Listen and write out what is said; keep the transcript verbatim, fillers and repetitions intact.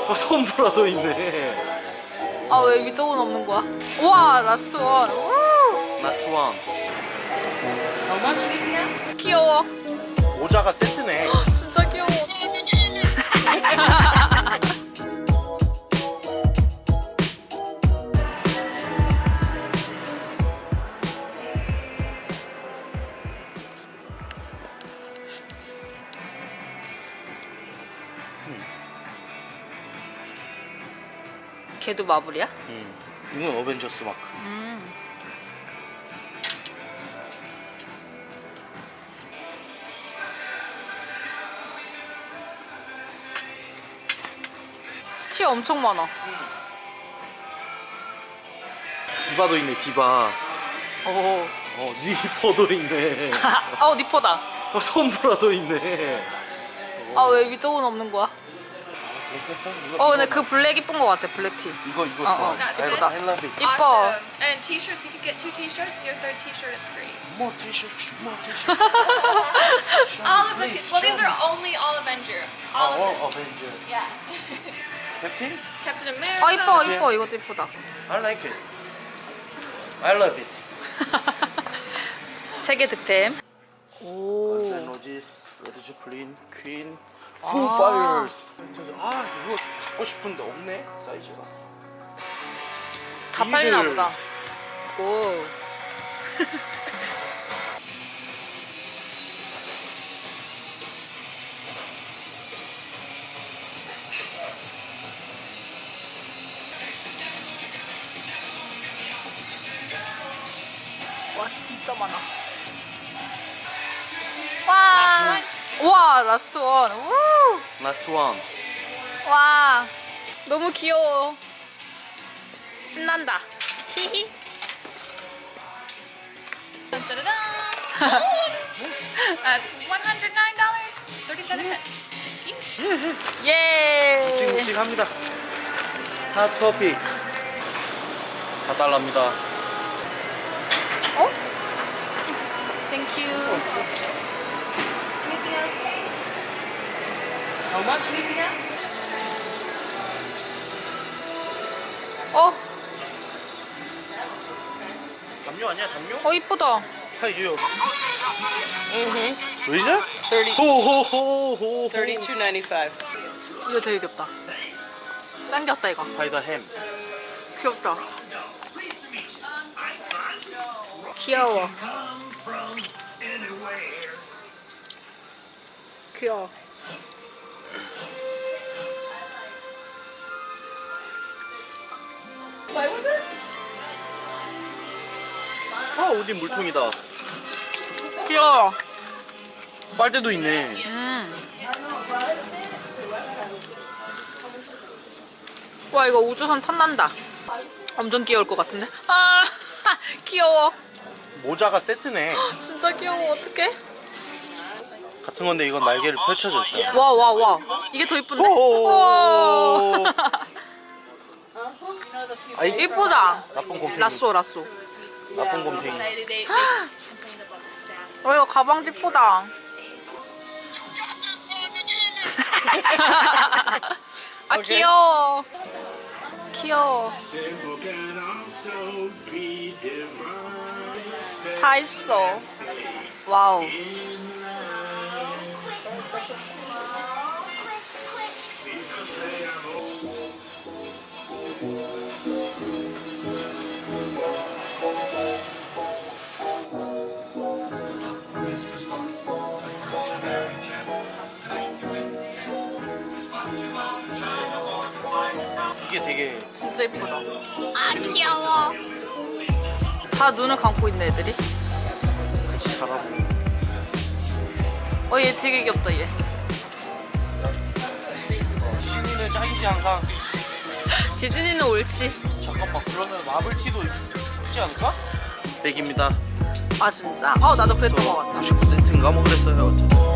어, 솜브라도 있네. 아, 왜 위도우는 없는 거야? 우와, 라스원. 우! 라스원. 귀여워. 모자가 세트네. 진짜 귀여워. 걔도 마블이야? 응. 이건 어벤져스 마크. 음. 티 엄청 많아. 디바도 있네, 디바. 오. 어, 니퍼도 있네. 어, 니퍼다. 어, 솜브라도 있네. 아, 왜 위도우는 없는 거야? 어, 근데 그 블랙 이쁜 거 같아, 블랙티. 이거, 이거 어, 좋아. 어. I, 이쁘다. I love it. 이뻐. Awesome. And t-shirts, you could get two t-shirts. Your third t-shirt is free. More t-shirts, more t-shirts. All of the well, these are only all Avenger. All of 어, them. 어벤져. Yeah. 캡틴? Captain America. 아, 이뻐, 이뻐. 이것도 이쁘다. I like it. I love it. 세계 득템. 오. Guns N' Roses, Led Zeppelin, Queen, Foo Fighters. 아, 이거 사고 싶은데 없네, 사이즈가. 다 팔리나 비틀즈. 보다. 오. 와, 진짜 많아. 와. 와, 라스원. 우. Last one. 와. 너무 귀여워. 신난다. 히히. Da-da-da. That's one hundred nine dollars and thirty-seven cents. 예. 묵직묵직합니다. 핫토피 사 달러입니다. 어? 땡큐. Anything else? How much? Anything else? 어? 담요 아니야, 담요? 어, 이쁘다. 하이요. Mm-hmm. 의자? thirty, 호호호호. thirty-two ninety-five. 이거 되게 귀엽다. 짱 귀엽다, 이거. 스파이더 햄. 귀엽다. 귀여워. 귀여워. 아, 어디 물통이다. 귀여워. 빨대도 있네. 음. 와, 이거 우주선 탐난다. 엄청 귀여울 것 같은데? 아, 귀여워. 모자가 세트네. 진짜 귀여워. 어떡해? 같은 건데 이건 날개를 펼쳐줬다. 와, 와, 와. 이게 더 이쁜데? 오. 와. 아이, 이쁘다. 나쁜 곰탱이. 라쏘, 라쏘. 나쁜 곰탱이. They, they, they complained about the staff. 어, 이거 가방도 이쁘다. 아, 귀여워. 귀여워. 다 있어. 와우. 이게 되게 진짜 이쁘다. 아, 귀여워. 다 눈을 감고 있네, 애들이. 잘하고. 어, 얘 되게 귀엽다, 얘. 어, 신이는 짱이지 항상. 디즈니는 옳지. 잠깐만, 그러면 마블티도 있지 않을까? 백입니다. 아, 진짜? 어, 나도 그랬던 것 같다. 구십구 센트인가 뭐 그랬어요.